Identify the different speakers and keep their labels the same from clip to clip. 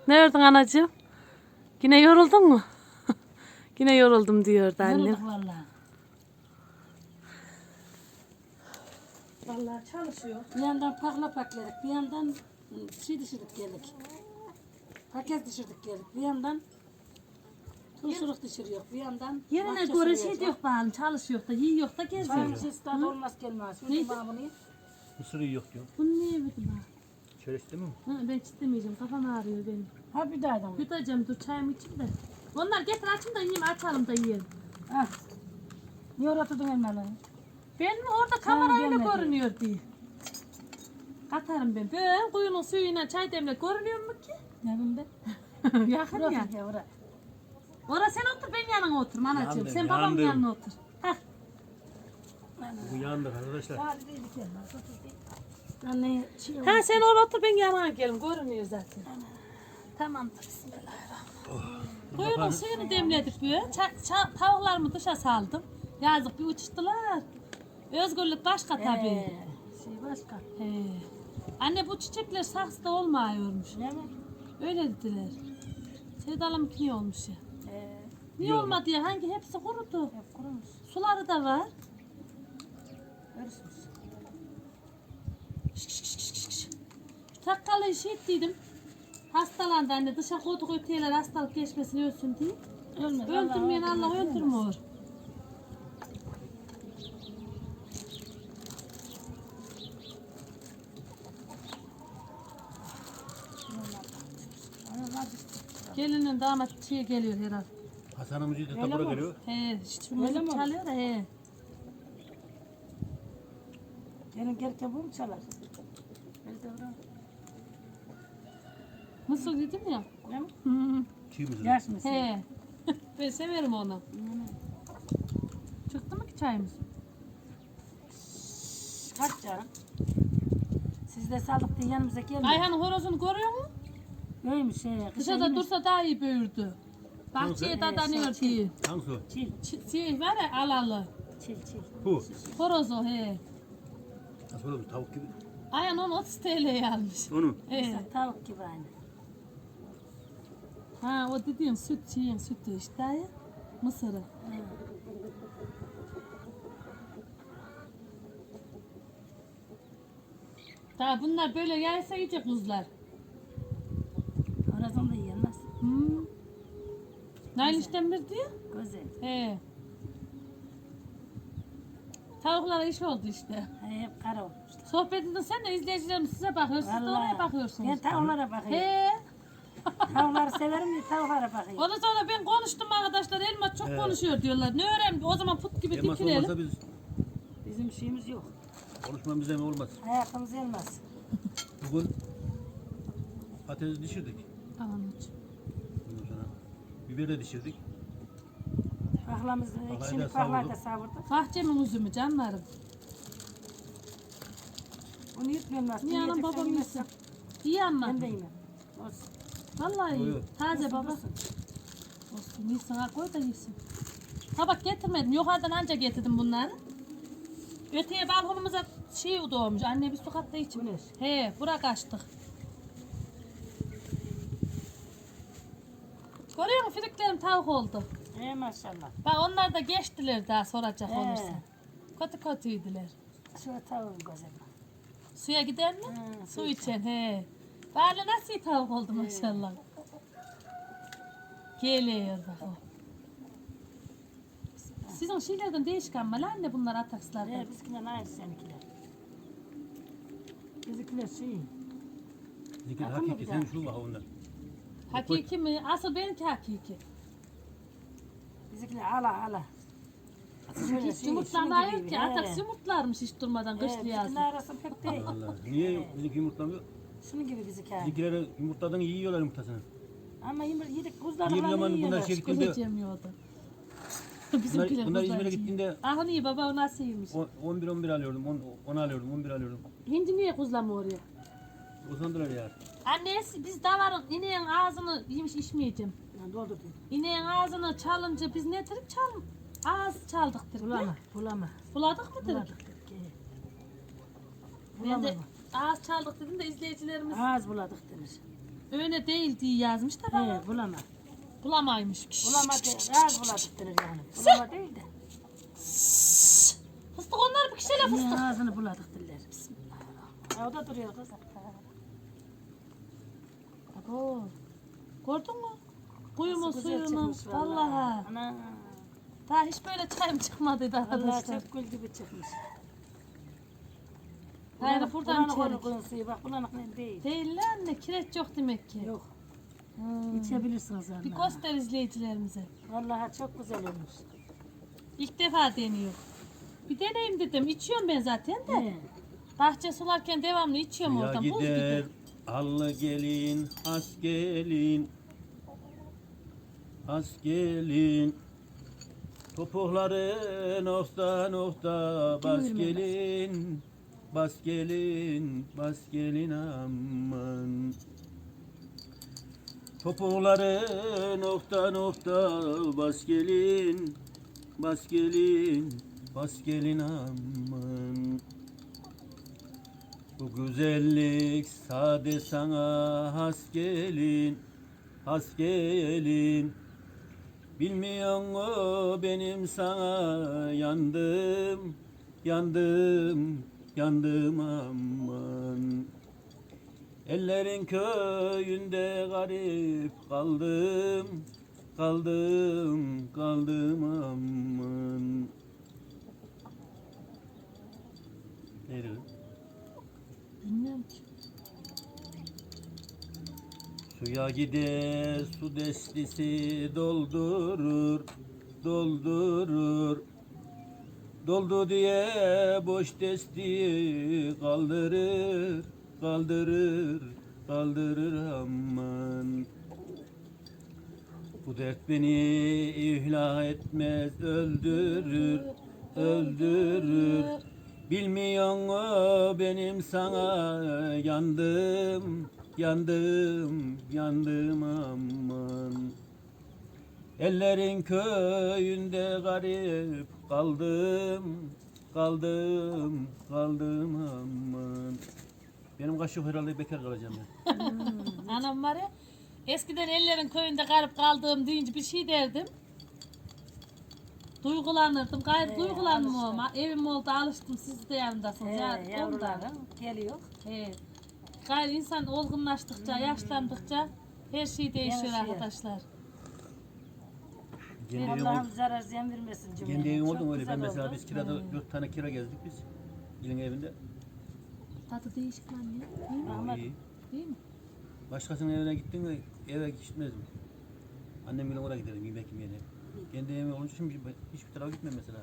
Speaker 1: Ne ördün anacığım? Yine yoruldun mu? Yine yoruldum diyordu annem.
Speaker 2: Yorulduk vallahi.
Speaker 3: Vallahi çalışıyor.
Speaker 2: Bir yandan pakla pakladık, bir yandan şey düşürdük geldik. Paket düşürdük geldik. Bir yandan turşuluk düşürüyor. Bir yandan
Speaker 3: Yerine
Speaker 2: bahçe
Speaker 3: göre
Speaker 2: suluyor.
Speaker 3: şey yok bana, çalışıyor da, yiyor da geziyor.
Speaker 2: Çayın sesi tadı olmaz gelmez.
Speaker 3: Neydi?
Speaker 2: Bana bunu.
Speaker 4: Mısırı yok diyor.
Speaker 3: Bunu niye yemedin ha?
Speaker 4: Şöyle istemiyor mu?
Speaker 3: Ha, ben istemeyeceğim, kafam ağrıyor benim.
Speaker 2: Ha bir daha da mı?
Speaker 3: Yutacağım, dur çayımı içeyim de. Onlar getir açın da yiyeyim, açalım da yiyelim.
Speaker 2: Ha. Niye oraya tutun elmaları?
Speaker 3: Ben mi orada kamerayla
Speaker 2: gelmedi.
Speaker 3: görünüyor diye. Katarım ben. Ben kuyunun suyuyla çay demle görünüyor mu ki?
Speaker 2: Ne bileyim ben?
Speaker 3: Yakın ya.
Speaker 2: Bırakın ya oraya.
Speaker 3: Orada sen otur, ben yanına otur anacığım.
Speaker 4: Yandım,
Speaker 3: Sen babamın
Speaker 4: yandım.
Speaker 3: yanına otur. Hah.
Speaker 4: Bu yandık arkadaşlar.
Speaker 2: Hadi dedik elmas. Anne şey
Speaker 3: Ha sen orada otur, ben yanına gelim. Görünüyor zaten. Tamamdır. Bismillahirrahmanirrahim. Kuyunun suyunu demledik böyle. Tavuklarımı dışa saldım. Yazık bir uçuştular. Özgürlük başka tabii.
Speaker 2: Şey başka.
Speaker 3: He. Anne bu çiçekler saksıda olmuyormuş.
Speaker 2: Ne mi?
Speaker 3: Öyle dediler. Sevdalım niye olmuş ya? Niye
Speaker 4: Yok.
Speaker 3: olmadı ya? Hangi hepsi kurudu.
Speaker 2: Hep kurumuş.
Speaker 3: Suları da var.
Speaker 2: Görürsünüz.
Speaker 3: Takkalı işi ettiydim. Hastalandı anne. Dışa koyduk öteyeler hastalık geçmesin ölsün diye.
Speaker 2: Ölmez.
Speaker 3: Öldürmeyen Allah öldürmüyor. Gelinin damat şeye geliyor herhalde.
Speaker 4: Hasan'ın müziği de
Speaker 2: Öyle
Speaker 4: tabura
Speaker 2: mi?
Speaker 4: geliyor.
Speaker 3: He, şu
Speaker 2: Öyle
Speaker 3: müzik
Speaker 2: mi?
Speaker 3: çalıyor da he.
Speaker 2: Gelin gelirken bu mu çalar? Öyle de bırak.
Speaker 3: Mısır dedim ya.
Speaker 2: Ne mi?
Speaker 3: Hı.
Speaker 4: Çiğ mısır.
Speaker 2: Yaş mısın?
Speaker 3: He. Ben severim onu. Çıktı mı ki çayımız?
Speaker 2: Kaç canım? Siz de saldık diye yanımıza gelmeyin.
Speaker 3: Ayhan'ın horozunu görüyor musun?
Speaker 2: Neymiş şey?
Speaker 3: Dışarıda dursa daha iyi büyürdü. Bahçeye dadanıyor diye.
Speaker 4: Hangisi o?
Speaker 2: Çil,
Speaker 3: Şey var ya alalı.
Speaker 2: çil, çil.
Speaker 4: Bu.
Speaker 3: Horoz o he.
Speaker 4: Nasıl olur? Tavuk gibi.
Speaker 3: Ayhan onu 30 TL'ye almış.
Speaker 4: Onu.
Speaker 3: He.
Speaker 2: Mesela tavuk gibi aynı.
Speaker 3: Ha o dediğin sütü işte ya. Mısırı. Daha bunlar böyle yaysa iyice kuzlar.
Speaker 2: Horazon da yenmez.
Speaker 3: Nail işlemir diyor.
Speaker 2: Güzel.
Speaker 3: He. Tavuklara iş oldu işte.
Speaker 2: Hep kara olmuşlar.
Speaker 3: Sohbet edin sen de izleyicilerimiz size bakıyor. Siz de oraya bakıyorsunuz.
Speaker 2: Ben tavuklara bakıyorum.
Speaker 3: He.
Speaker 2: Tavukları severim diye tavuklara bakıyorum.
Speaker 3: Ondan sonra ben konuştum arkadaşlar. Elma çok konuşuyor diyorlar. Ne öğren? O zaman put gibi
Speaker 4: Elmas
Speaker 3: dikilelim.
Speaker 4: olmasa biz
Speaker 2: Bizim şeyimiz yok.
Speaker 4: konuşmamız bizden olmaz.
Speaker 2: Hayatımız yenmez.
Speaker 4: Bugün patates düşürdük.
Speaker 3: Anladım.
Speaker 4: Ondan sonra biber de düşürdük.
Speaker 2: Pahlamız,
Speaker 4: da
Speaker 2: ikisini pahlayı da savurduk.
Speaker 3: Bahçemin üzümü canlarım.
Speaker 2: Onu yutmuyorum aslında.
Speaker 3: Niye anam
Speaker 2: Yiyeceksen
Speaker 3: babam
Speaker 2: yemezsen
Speaker 3: yesin? İyi ama.
Speaker 2: Ben de yemem. Olsun.
Speaker 3: Vallahi iyi.
Speaker 4: Yok.
Speaker 3: Taze baba.
Speaker 2: Olsun.
Speaker 3: Olsun. Yesin ha koy da yesin. Tabak getirmedim. Yukarıdan anca getirdim bunları. Öteye balkonumuza şey doğmuş. Anne bir su katta için.
Speaker 2: Güneş.
Speaker 3: He, bırak açtık. Görüyor musun? Friklerim tavuk oldu.
Speaker 2: Maşallah.
Speaker 3: Bak onlar da geçtiler daha soracak
Speaker 2: He.
Speaker 3: olursa. Kötü kötüydüler.
Speaker 2: Şöyle tavuğum güzel.
Speaker 3: Suya gider mi?
Speaker 2: He,
Speaker 3: Su içen he. Bari nasıl iyi tavuk oldu maşallah. Geliyor bak o. Sizin şeylerden değişik ama lan ne bunlar atakslardan.
Speaker 2: Bizimkiler aynı seninkiler. Bizimkiler şey.
Speaker 4: Zikir
Speaker 2: Bakın mı
Speaker 4: hakiki
Speaker 2: bir
Speaker 4: sen
Speaker 2: daha?
Speaker 4: şu bak ondan.
Speaker 3: Hakiki mi? Asıl benimki hakiki.
Speaker 2: Bizimkiler ala.
Speaker 3: Hiç yumurtlamıyor ki. Ataks yumurtlarmış hiç durmadan kışlı yazın.
Speaker 2: Bizimkiler arası pek değil.
Speaker 4: Allah. Niye bizimki yumurtlamıyor?
Speaker 2: Şunun gibi bizimkiler.
Speaker 4: Bizimkileri yumurtadan yiyorlar yumurtasını.
Speaker 2: Ama yedik
Speaker 4: Bir
Speaker 2: kuzlarla
Speaker 4: zaman
Speaker 2: yiyorlar.
Speaker 4: bunlar şey gittiğinde
Speaker 3: Kuzu yemiyordu.
Speaker 4: bunlar İzmir'e gittiğinde
Speaker 3: Ah iyi baba o nasıl yemiş?
Speaker 4: 11 alıyordum, 10 alıyordum, 11 alıyordum.
Speaker 3: Hindi niye kuzlama oraya?
Speaker 4: Uzandılar ya.
Speaker 3: Annesi biz davarın ineğin ağzını yemiş içmeyeceğim.
Speaker 2: Doldur diyor.
Speaker 3: İneğin ağzını çalınca biz ne dedik çalın? Ağız çaldık dedik.
Speaker 2: Bulama.
Speaker 3: Buladık mı dedik?
Speaker 2: Buladık.
Speaker 3: Ben de ağız çaldık dedim de izleyicilerimiz
Speaker 2: Az buladık denir.
Speaker 3: Öyle değil diye yazmış da bana.
Speaker 2: He bulama.
Speaker 3: Bulamaymış.
Speaker 2: Bulama değil. Az buladık denir yani. Bulama değil de.
Speaker 3: Fıstık onlar bir kişiyle fıstık.
Speaker 2: Niye ağzını buladık diller. Bismillahirrahmanirrahim. Ha, o da duruyor kız.
Speaker 3: Abo. Gördün mü? Kuyumun
Speaker 2: Nasıl güzel
Speaker 3: suyunun.
Speaker 2: çıkmış
Speaker 3: Vallahi.
Speaker 2: Ana.
Speaker 3: Daha hiç böyle çayım çıkmadıydı
Speaker 2: Vallahi
Speaker 3: arkadaşlar.
Speaker 2: çok gül gibi çıkmış.
Speaker 3: Hayır buradan
Speaker 2: bulanık
Speaker 3: içerik.
Speaker 2: olur suyu bak bulanık ne değil.
Speaker 3: Değil lan anne kireç yok demek ki.
Speaker 2: Yok.
Speaker 3: Hmm.
Speaker 2: İçebilirsiniz vallahi.
Speaker 3: Bir göster izleyicilerimize.
Speaker 2: Vallahi çok güzel olmuş.
Speaker 3: İlk defa deniyor. Bir deneyim dedim. İçiyorum ben zaten de.
Speaker 2: He.
Speaker 3: Bahçe sularken devamlı içiyorum
Speaker 4: Ya
Speaker 3: oradan. Buz
Speaker 4: gider
Speaker 3: gibi.
Speaker 4: allı gelin, has gelin. Has gelin. Topukları nokta nokta bas gelin. Bas gelin, bas gelin aman. Topukları nokta nokta bas gelin. Bas gelin, bas gelin aman. Bu güzellik sade sana has gelin, has gelin. Bilmiyor mu benim sana yandım, yandım, yandım aman. Ellerin köyünde garip kaldım, kaldım, kaldım aman. Neydi bu?
Speaker 3: Bilmiyorum ki.
Speaker 4: Suya gider su destisi doldurur, doldurur. Doldu diye boş desti kaldırır, kaldırır, kaldırır aman. Bu dert beni ihla etmez, öldürür, öldürür. Bilmiyor mu benim sana yandım, yandım, yandım aman. Ellerin köyünde garip kaldım, kaldım, kaldım aman. Benim kaşık herhalde bekar kalacağım ben.
Speaker 3: Anam var ya. Eskiden ellerin köyünde garip kaldığım deyince bir şey derdim. Duygulanırdım. Gayet duygulandım ama. Evim oldu alıştım. Siz de yanındasınız. Yani ondan.
Speaker 2: Yavrularım geliyor.
Speaker 3: Evet. Gayrı insan olgunlaştıkça, yaşlandıkça her şey değişiyor
Speaker 2: Değişiyor.
Speaker 3: arkadaşlar.
Speaker 4: Kendi evim
Speaker 2: Allah'ım
Speaker 4: oldu.
Speaker 2: zarar ziyan vermesin cümleye.
Speaker 4: Kendi evim
Speaker 2: Çok
Speaker 4: oldu mu öyle?
Speaker 2: güzel
Speaker 4: Ben mesela
Speaker 2: oldu.
Speaker 4: biz kirada 4 tane kira gezdik biz. İlin evinde.
Speaker 3: Tadı değişik lan ya. Değil mi?
Speaker 4: O iyi.
Speaker 3: Değil mi?
Speaker 4: Başkasının evine gittin mi eve gitmezdim. Annem bile oraya giderim yemek yemeye. Kendi evime olunca şimdi hiçbir tarafa gitmem mesela.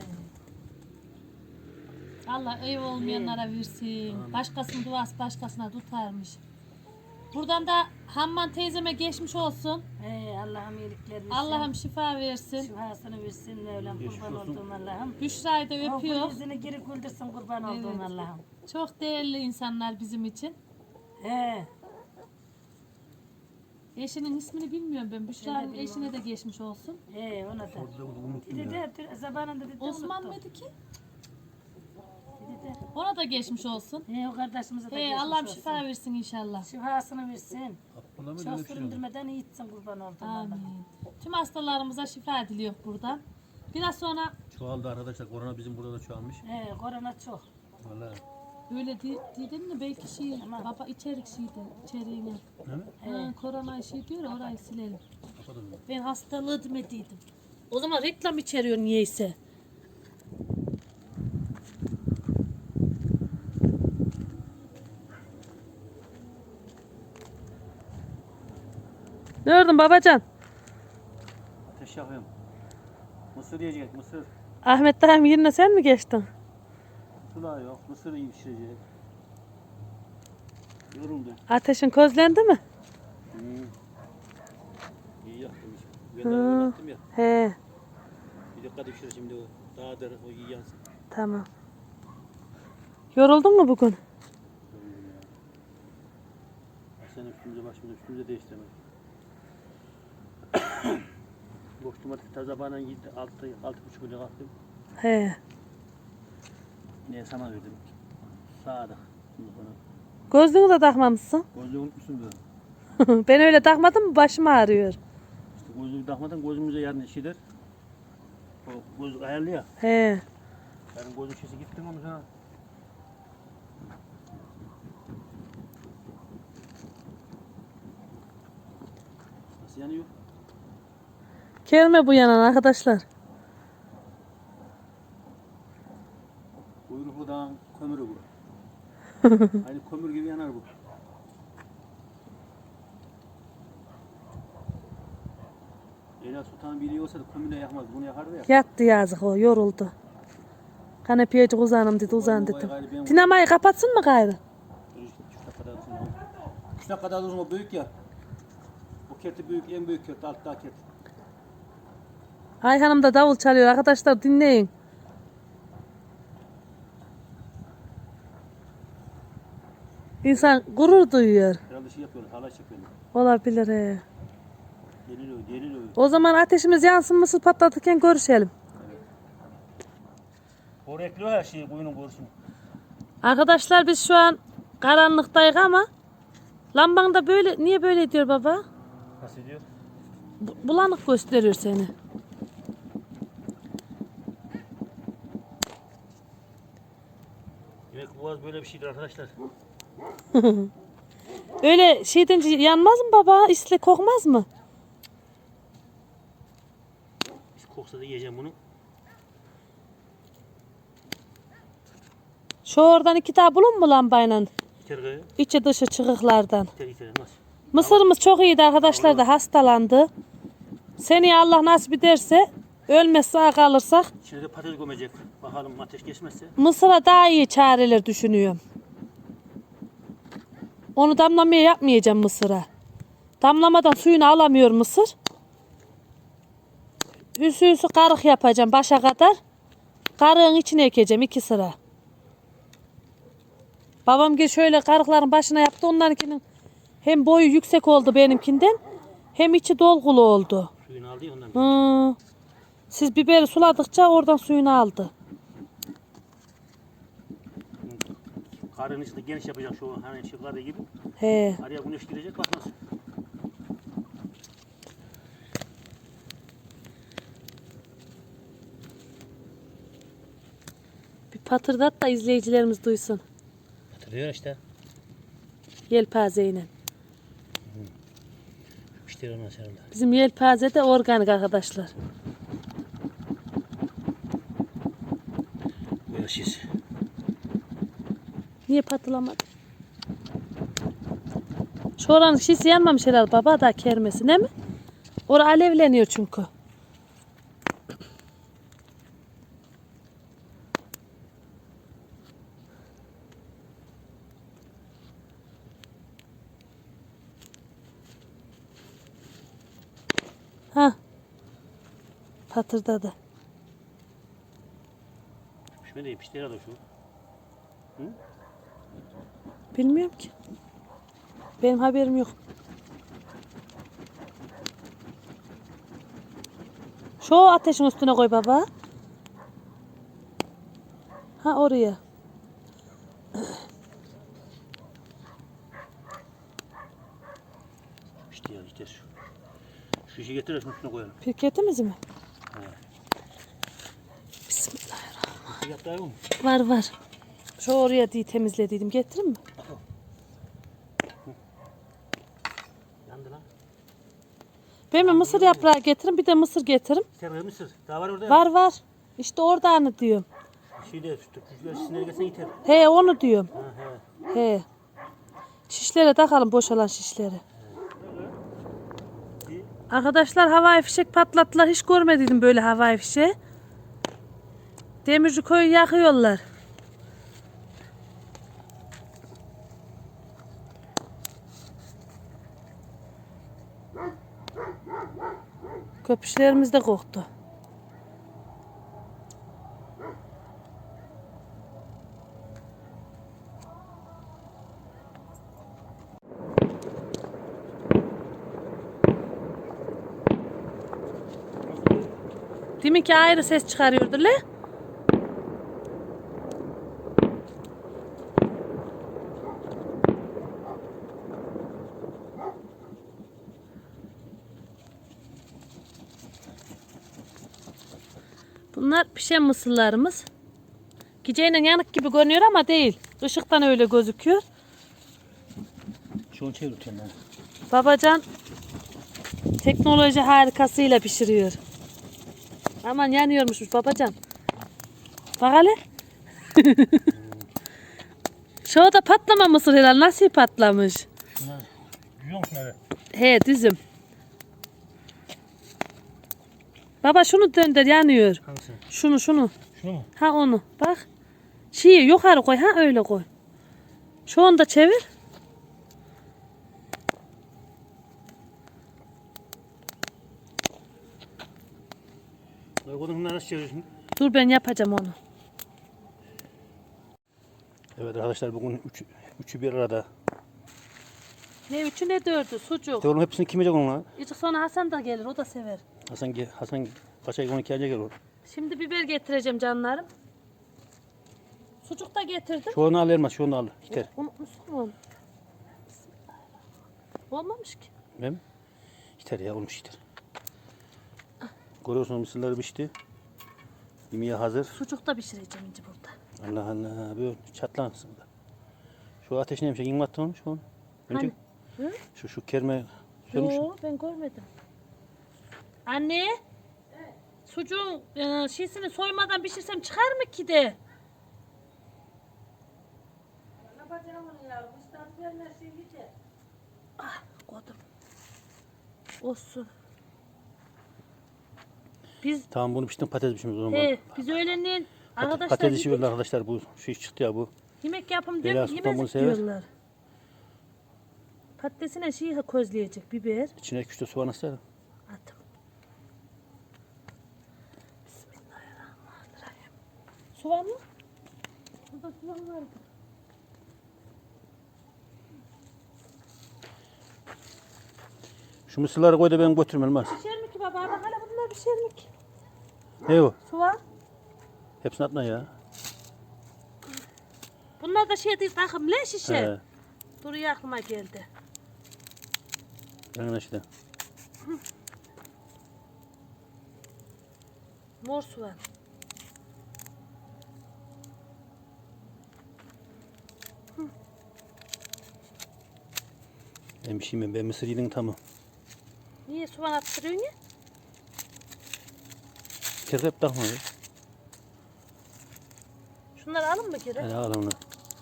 Speaker 3: Allah ev olmayanlara versin. Başkasının duası başkasına tutarmış. Buradan da Hamman teyzeme geçmiş olsun.
Speaker 2: Allah'ım iyilikler versin.
Speaker 3: Allah'ım şifa versin.
Speaker 2: şifasını versin Mevlam,
Speaker 4: Geçmiş
Speaker 2: kurban
Speaker 4: olsun.
Speaker 2: olduğum Allah'ım.
Speaker 3: Büşra'yı da
Speaker 2: O
Speaker 3: öpüyor.
Speaker 2: yüzünü geri güldürsün kurban olduğum Allah'ım.
Speaker 3: Çok değerli insanlar bizim için.
Speaker 2: He.
Speaker 3: Eşinin ismini bilmiyorum ben. Büşra'nın eşine de geçmiş olsun.
Speaker 2: He ona da.
Speaker 4: Orada da unuttum
Speaker 2: Dedi
Speaker 4: ya.
Speaker 2: de zamanında dedi de
Speaker 3: Osman
Speaker 2: unuttum.
Speaker 3: mıydı ki?
Speaker 2: Dedi de.
Speaker 3: Ona da geçmiş olsun.
Speaker 2: He o kardeşimize de
Speaker 3: He
Speaker 2: geçmiş
Speaker 3: Allah'ım
Speaker 2: olsun.
Speaker 3: şifa versin inşallah.
Speaker 2: Şifasını versin.
Speaker 4: Abdullah mı
Speaker 2: Çok
Speaker 4: öyle bir şey oldu?
Speaker 2: süründürmeden iyi etsin kurban olduğum Allah'ım.
Speaker 3: Amin. Tüm hastalarımıza şifa diliyor buradan. Biraz sonra
Speaker 4: Çoğaldı arkadaşlar. Korona bizim burada da çoğalmış.
Speaker 2: He korona çok.
Speaker 4: Vallahi.
Speaker 3: öyle dedin mi belki şey baba içerik şeydi içeriğine.
Speaker 4: Değil mi?
Speaker 3: Ha, korona şey diyor ya, orayı silelim.
Speaker 4: Kapatalım.
Speaker 3: Ben hastalığı demediydim. O zaman reklam içeriyor niyeyse.
Speaker 1: Ne gördün babacan?
Speaker 4: Ateş yakıyorum. Mısır yiyecek mısır.
Speaker 1: Ahmet dayım yerine sen mi geçtin?
Speaker 4: Su da yok. Mısır iyi pişirecek. Yoruldu.
Speaker 1: Ateşin közlendi mi?
Speaker 4: İyi yaktım. Ben de oynattım ya.
Speaker 1: He,
Speaker 4: Bir dikkat pişir şimdi o. Daha der o iyi yansın.
Speaker 1: tamam. Yoruldun mu bugün?
Speaker 4: Yoruldum ya. Sen üstümüze değiştiremedik. Boş domates taze bana 6,5 kilo kalktım.
Speaker 1: He.
Speaker 4: Neye sana verdim. Sağda. Şimdi bana.
Speaker 1: Gözlüğünü de takmamışsın.
Speaker 4: Gözlüğü unutmuşsun böyle.
Speaker 1: Ben öyle takmadım mı başım ağrıyor.
Speaker 4: İşte gözlüğü takmadan gözümüze yarın şey der. O gözlük ayarlı ya.
Speaker 1: He.
Speaker 4: Yarın gözlük şişesi gittin onu sana. Nasıl yanıyor?
Speaker 1: Kelme bu yanan arkadaşlar.
Speaker 4: Kuyruklu dağın kömürü bu. Aynı kömür gibi yanar bu. Leyla Sultan biri olsa da kömürle yakmaz. Bunu yakardı ya.
Speaker 1: Yattı yazık o yoruldu. Kanepiyecik uzanım dedi uzan
Speaker 4: Vay,
Speaker 1: dedim.
Speaker 4: gayrı ben-
Speaker 1: Dinamayı kapatsın mı gayrı?
Speaker 4: Şu dakikada dursun o. Şu dakikada dursun o büyük ya. Bu kerti büyük, en büyük kert, altta kert.
Speaker 1: Ayhan'ım da davul çalıyor arkadaşlar dinleyin. İnsan gurur duyuyor.
Speaker 4: Herhalde şey yapıyorlar, halay çekiyorlar.
Speaker 1: Olabilir he.
Speaker 4: Deliriyor, deliriyor.
Speaker 1: O zaman ateşimiz yansın mısır patlatırken görüşelim.
Speaker 4: Oraya ekliyor her şeyi, koyunun borusunu.
Speaker 1: Arkadaşlar biz şu an karanlıktayız ama lamban da böyle niye böyle diyor baba?
Speaker 4: Nasıl diyor?
Speaker 1: Bulanık gösteriyor seni.
Speaker 4: Demek boğaz böyle bir şeydir arkadaşlar.
Speaker 1: Öyle şeyden yanmaz mı baba? İsle kokmaz mı?
Speaker 4: Biz koksa da yiyeceğim bunu.
Speaker 1: Şu oradan iki tane bulun mu lambayla?
Speaker 4: İter gayı,
Speaker 1: İçi dışı çıkıklardan.
Speaker 4: iter nasıl?
Speaker 1: Mısırımız çok iyiydi arkadaşlar da hastalandı. Seneye Allah nasip ederse ölmezse sağ kalırsak
Speaker 4: İçine de patates gömecek. Bakalım ateş geçmezse.
Speaker 1: Mısır'a daha iyi çareler düşünüyorum. Onu damlamaya yapmayacağım mısıra. Damlamadan suyunu alamıyor mısır. Üsü karık yapacağım başa kadar. Karığın içine ekeceğim 2 sıra. Babam gel şöyle karıkların başına yaptı. Onlarınkinin hem boyu yüksek oldu benimkinden hem içi dolgulu oldu.
Speaker 4: Suyunu aldı ya ondan.
Speaker 1: Siz biberi suladıkça oradan suyunu aldı.
Speaker 4: Karın içinde geniş yapacak şu hani şu karı gibi.
Speaker 1: He.
Speaker 4: Araya güneş girecek bak nasıl.
Speaker 1: Bir patırdat da izleyicilerimiz duysun.
Speaker 4: Hatırlıyor işte.
Speaker 1: Yelpazeyle.
Speaker 4: İşte ona sarılar.
Speaker 1: Bizim yelpaze de organik arkadaşlar.
Speaker 4: Böyle şiş.
Speaker 1: Niye patılamadı? Şu oranın şişi yanmamış herhalde baba da kermesi değil mi? Orası alevleniyor çünkü. Ha. Patırdadı.
Speaker 4: Şöyle yapıştı herhalde şu.
Speaker 1: Bilmiyorum ki. Benim haberim yok. Şu ateşin üstüne koy baba. Ha oraya.
Speaker 4: İşte ya işte şu. Şu işi getir de şunun üstüne koyalım.
Speaker 1: Pirketimiz mi?
Speaker 4: Evet.
Speaker 1: Bismillahirrahmanirrahim.
Speaker 4: Bir yaptı mı?
Speaker 1: Var var. Şu oraya diye temizlediydim. Getireyim mi?
Speaker 4: Yandı lan.
Speaker 1: Ben mi mısır yaprağı getirin bir de mısır getirin.
Speaker 4: Sen mısır. Daha var orada.
Speaker 1: Var var. İşte orada anı diyorum.
Speaker 4: Şeyde şu şişleri gelsen yeter.
Speaker 1: He onu diyorum.
Speaker 4: Ha he.
Speaker 1: He. Şişlere takalım boşalan şişleri. Arkadaşlar havai fişek patlattılar. Hiç görmediydim böyle havai fişeği. Demirci köyü yakıyorlar. Köpüşlerimiz de koktu. Deminki ayrı ses çıkarıyordu le. Bunlar pişen mısırlarımız. Geceyle yanık gibi görünüyor ama değil. Işıktan öyle gözüküyor.
Speaker 4: Şunu çeviriyorum ben.
Speaker 1: Babacan teknoloji harikasıyla pişiriyor. Aman yanıyormuşmuş babacan. Bak hele. Şu da patlama mısır herhalde. Nasıl patlamış?
Speaker 4: Şunlar yiyor musun öyle?
Speaker 1: He düzüm. Baba şunu döndür yanıyor.
Speaker 4: Hangisi?
Speaker 1: Şunu.
Speaker 4: Şunu mu?
Speaker 1: Ha onu bak. Şeyi yukarı koy ha öyle koy. Şu anda çevir.
Speaker 4: Bunları nasıl çeviriyorsun?
Speaker 1: Dur ben yapacağım onu.
Speaker 4: Evet arkadaşlar bugün üçü bir arada.
Speaker 1: Ne üçü ne dördü sucuk.
Speaker 4: Oğlum hepsini kim yiyecek onunla?
Speaker 1: İçik sonra Hasan da gelir o da sever.
Speaker 4: Hasan kaç ay 12 ayca gelir.
Speaker 1: Şimdi biber getireceğim canlarım. Sucuk da getirdim.
Speaker 4: Şu onu al Elmas, şu onu al. Yeter.
Speaker 1: Unutmuşsun mu onu? Olmamış ki.
Speaker 4: Değil mi? Yeter ya, olmuş yeter. Görüyorsunuz mısırları pişti. Yemeğe hazır.
Speaker 1: Sucuk da pişireceğim ince burada.
Speaker 4: Allah Allah, böyle çatlansın da. Şu ateş neymiş? Yiyeyim attın olmuş mu? Önce
Speaker 1: Hı?
Speaker 4: şu kerme sönmüş.
Speaker 1: Yo ben görmedim. Anne. Sucuğun şişini soymadan pişirsem çıkar mı ki de? Ah kodum. Olsun. Biz
Speaker 4: Tamam bunu piştim, patates pişmiş o zaman.
Speaker 1: biz öğlenin arkadaşlar
Speaker 4: Patates
Speaker 1: gittik,
Speaker 4: yiyorlar arkadaşlar, bu şey çıktı ya bu.
Speaker 1: yemek yapım
Speaker 4: Bela
Speaker 1: diyor
Speaker 4: Sultan bunu
Speaker 1: yemezik
Speaker 4: sever.
Speaker 1: diyorlar. Patatesine şey közleyecek biber.
Speaker 4: İçine 2-3 de soğan asar.
Speaker 1: Attım. Bismillahirrahmanirrahim. Soğan mı? Burada soğan vardı.
Speaker 4: Şu mısırları koy da ben götürmem Elmas.
Speaker 1: Pişer mi ki baba? Bak hala bunlar pişer mi ki?
Speaker 4: Ne o?
Speaker 1: Soğan.
Speaker 4: Hepsini atma ya.
Speaker 1: Bunlar da şey değil takım ne şişe?
Speaker 4: He.
Speaker 1: Duruyor aklıma geldi.
Speaker 4: Yanına işte.
Speaker 1: Mor soğan.
Speaker 4: Ben bir şey yemem. Ben mısır yedim tamam.
Speaker 1: Niye soğan attırıyorsun ya?
Speaker 4: Kerkep takma ya.
Speaker 1: Şunları alın mı geri?
Speaker 4: Hadi al onu.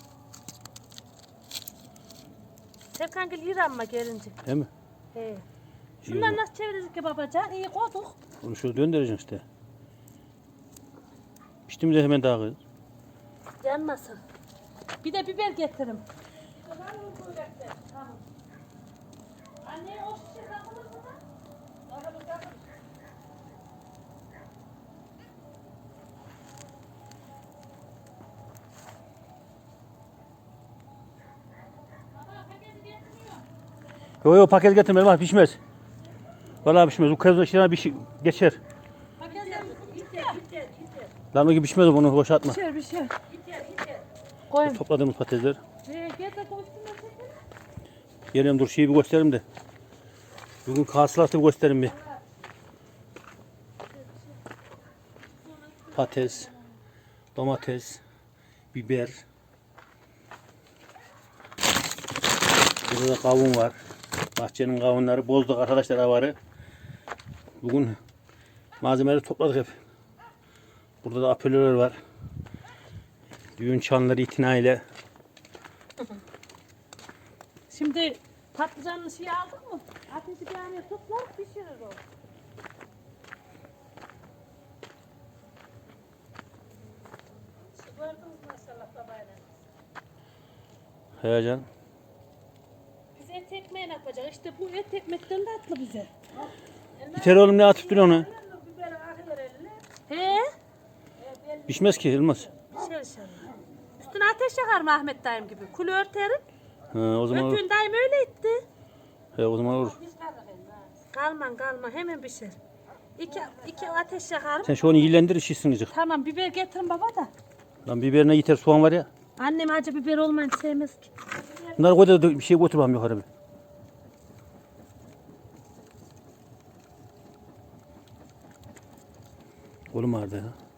Speaker 1: Serkan gel yürü amma gelince.
Speaker 4: Değil mi?
Speaker 1: He.
Speaker 4: İyi
Speaker 1: Şunları
Speaker 4: oldu.
Speaker 1: nasıl çeviririz ki babacan? İyi koyduk.
Speaker 4: Onu şöyle döndüreceksin işte. Pişti mi de hemen daha kız.
Speaker 1: Yanmasın. Bir de biber getirin. Anne o şişe takılır mı da?
Speaker 4: Yok yok paket getirme Elmas, pişmez. Vallahi pişmez. Bu kez içine bir şey geçer. Lan o gibi pişmez, bunu boşa atma.
Speaker 1: Bir şey. Koyun.
Speaker 4: Topladığımız patatesler.
Speaker 1: Getir koysunlar çekelim.
Speaker 4: Geliyorum, dur şeyi bir göstereyim de. Bugün hasılatı bir göstereyim bir. Patates, domates, biber. Burada da kavun var. Bahçenin kavunları bozduk arkadaşlar, avarı. Bugün malzemeleri topladık hep. Burada da apelörler var. Düğün çanları itinayla.
Speaker 1: Şimdi patlıcanlı şeyi aldık mı? Ateşi bir araya toplar pişirir o. Gördünüz maşallah babayla.
Speaker 4: Heyecan.
Speaker 1: Biz et ekmeği yapacağız. İşte bu et ekmekten de atlı bize.
Speaker 4: Biter oğlum, ne atıp duruyor onu?
Speaker 1: He?
Speaker 4: Pişmez ki Elmas.
Speaker 1: Pişer inşallah. Üstüne ateş yakar mı Ahmet dayım gibi? Kulü örterim.
Speaker 4: Ha, o zaman olur.
Speaker 1: Ötün dayım öyle etti.
Speaker 4: He, o zaman olur.
Speaker 1: Kalman hemen pişer. İki ateş yakarım.
Speaker 4: Sen şu onu iyilendir, şişsin gıcık.
Speaker 1: Tamam biber getirin baba da.
Speaker 4: Lan biberine yeter, soğan var ya.
Speaker 1: Annem acı biber olmayınca sevmez ki.
Speaker 4: Bunları koy da bir şey götür bakalım yukarı bir. Oğlum vardı ya.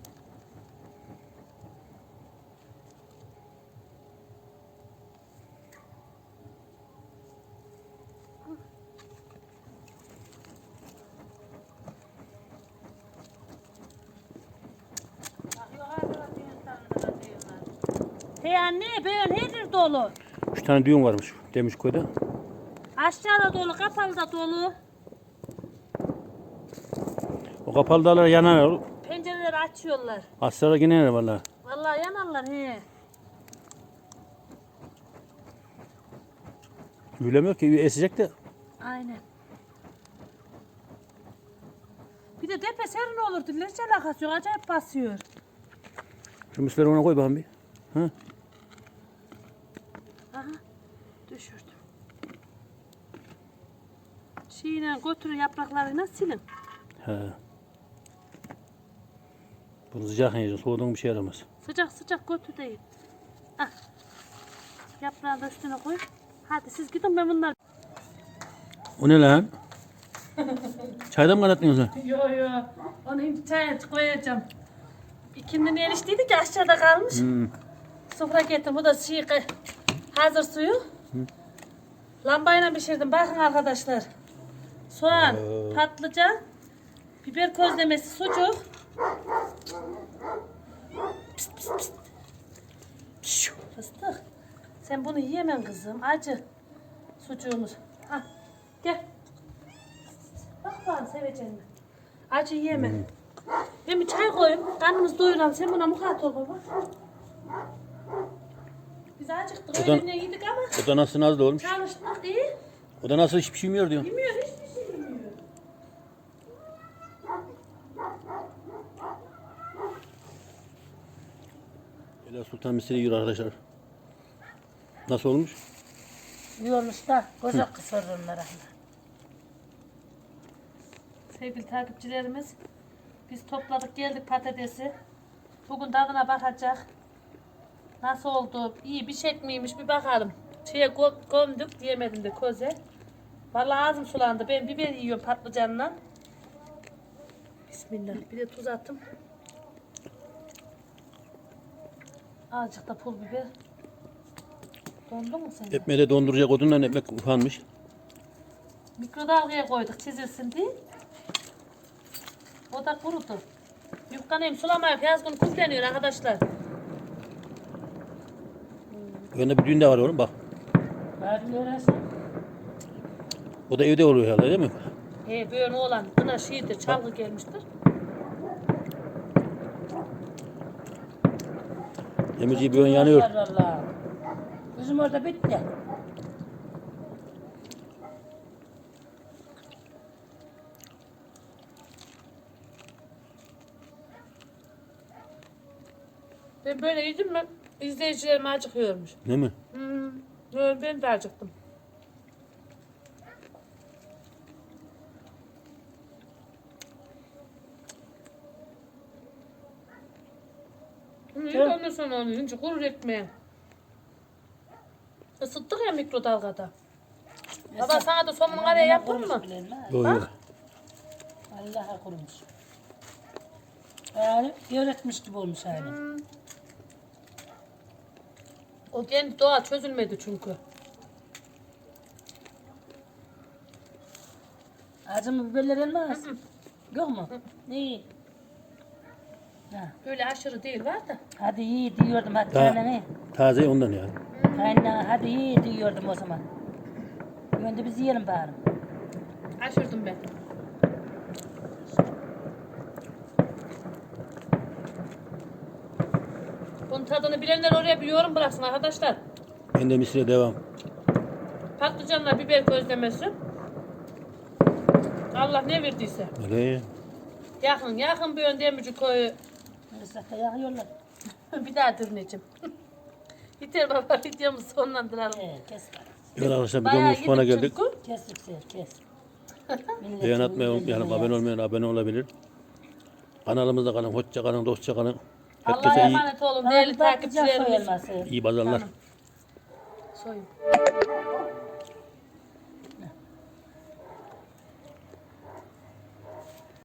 Speaker 3: He anne böyle her dolu.
Speaker 4: 3 tane düğün varmış Demirköy'de.
Speaker 3: Aşağıda dolu, kapalıda dolu.
Speaker 4: O kapalı dağlar yanar.
Speaker 3: Pencereleri açıyorlar.
Speaker 4: Aslara yine yanar valla.
Speaker 3: Vallahi yanarlar he.
Speaker 4: Ülemiyor ki esecek de.
Speaker 3: Aynen. Bir de tepe serin olur. Hiç alakası yok. Acayip basıyor.
Speaker 4: Şu misleri ona koy bakalım bir. Ha?
Speaker 3: Aha. Düşürdüm. Şeyle götürün yapraklarıyla silin.
Speaker 4: He. Bunu sıcak yiyeceğiz. Soğuduğun bir şey yaramaz.
Speaker 3: Sıcak sıcak götür değil. Ah. Yaprağı da üstüne koy. Hadi siz gidin ben bunları...
Speaker 4: O ne lan? Çaydan mı kaynattın sen?
Speaker 3: Yo yo. Onu şimdi çaya koyacağım. İkindinin eriştiydi ki aşağıda kalmış. Sofra getirdim. Bu da hazır suyu. Lambayla pişirdim. Bakın arkadaşlar. Soğan, patlıcan, biber közlemesi, sucuk. Pist pist pist. Şu, fıstık. Sen bunu yiyemem kızım. Acı. Sucuğumuz. Ha, gel. Bak bana seveceğim. Acı yiyemem. Ben bir çay koyayım. Karnımız doyuralım. Sen buna mukat ol baba. Biz acıktık.
Speaker 4: Odan-
Speaker 3: Öğlenle yedik ama
Speaker 4: O da nasıl nazlı olmuş?
Speaker 3: çalıştık iyi.
Speaker 4: O da nasıl hiçbir şey yemiyor diyor.
Speaker 3: Yemiyor, hiçbir şey yemiyor.
Speaker 4: Ela Sultan misiri yiyor arkadaşlar. Nasıl olmuş?
Speaker 2: Yiyormuş da koca kısır onlara.
Speaker 3: Sevgili takipçilerimiz, biz topladık geldik patatesi. Bugün tadına bakacak. Nasıl oldu? İyi bir şey miymiş bir bakalım. Gömdük diyemedim de koze. Vallahi ağzım sulandı. Ben biber yiyorum patlıcanla. Bismillah. Bir de tuz attım. Azıcık da pul biber. Dondu mu senin?
Speaker 4: Ekmeği de donduracak odunla ekmek ufanmış.
Speaker 3: Mikrodalgaya koyduk çizilsin diye. O da kurudu. Yufkanayım sulamayıp yaz günü kupleniyor arkadaşlar.
Speaker 4: Önünde bir düğün de var oğlum bak.
Speaker 2: Bari öğrensin.
Speaker 4: O da evde oluyor herhalde değil mi?
Speaker 3: He böyle oğlan buna şeydir çalgı gelmiştir.
Speaker 4: Demirci bir ön yanıyor.
Speaker 2: Valla. Bizim orada bitti.
Speaker 3: Ben böyle yedim mi izleyicilerim acıkıyormuş.
Speaker 4: Değil mi?
Speaker 3: Böyle ben de acıktım. Ondan sonra onu yiyince kurur ekmeği. Isıttık ya mikrodalgada. Baba sana da somun araya yaptın mı?
Speaker 4: Yok yok.
Speaker 2: Allah'a kurumuş. Yani öğretmiş gibi olmuş aynı.
Speaker 3: O kendi doğal çözülmedi çünkü.
Speaker 2: Acı mı biberler elmaz? Yok mu? İyi. Ha.
Speaker 3: Böyle aşırı değil var da.
Speaker 2: Hadi iyi diyordum hadi
Speaker 4: Daha
Speaker 2: kaynana.
Speaker 4: taze ondan ya.
Speaker 2: Kaynana hadi iyi diyordum o zaman. Önce biz yiyelim bari.
Speaker 3: Aşırdım ben. Bunun tadını bilenler oraya bir yorum bıraksın arkadaşlar.
Speaker 4: Ben de misire devam.
Speaker 3: Patlıcanla biber közlemesi. Allah ne verdiyse.
Speaker 4: Öyle.
Speaker 3: Yakın bir ön Demirci koyu.
Speaker 2: Neyse yakıyorlar.
Speaker 3: Bir daha dürneceğim. Yeter baba videomuzu sonlandıralım.
Speaker 2: Kes.
Speaker 4: Evet arkadaşlar
Speaker 3: Bayağı
Speaker 4: videomuz sonuna
Speaker 3: yedik
Speaker 4: geldik.
Speaker 3: çünkü.
Speaker 2: Kes yüksel kes.
Speaker 4: Beğen atmayı unutmayalım. Abone olmayan abone olabilir. Kanalımızda kalın. Hoşça kalın. Dostça kalın.
Speaker 3: Allah'a
Speaker 4: Herkese iyi,
Speaker 3: emanet olun değerli takipçilerimiz.
Speaker 2: Soyulması.
Speaker 4: iyi pazarlar.
Speaker 3: Soyun.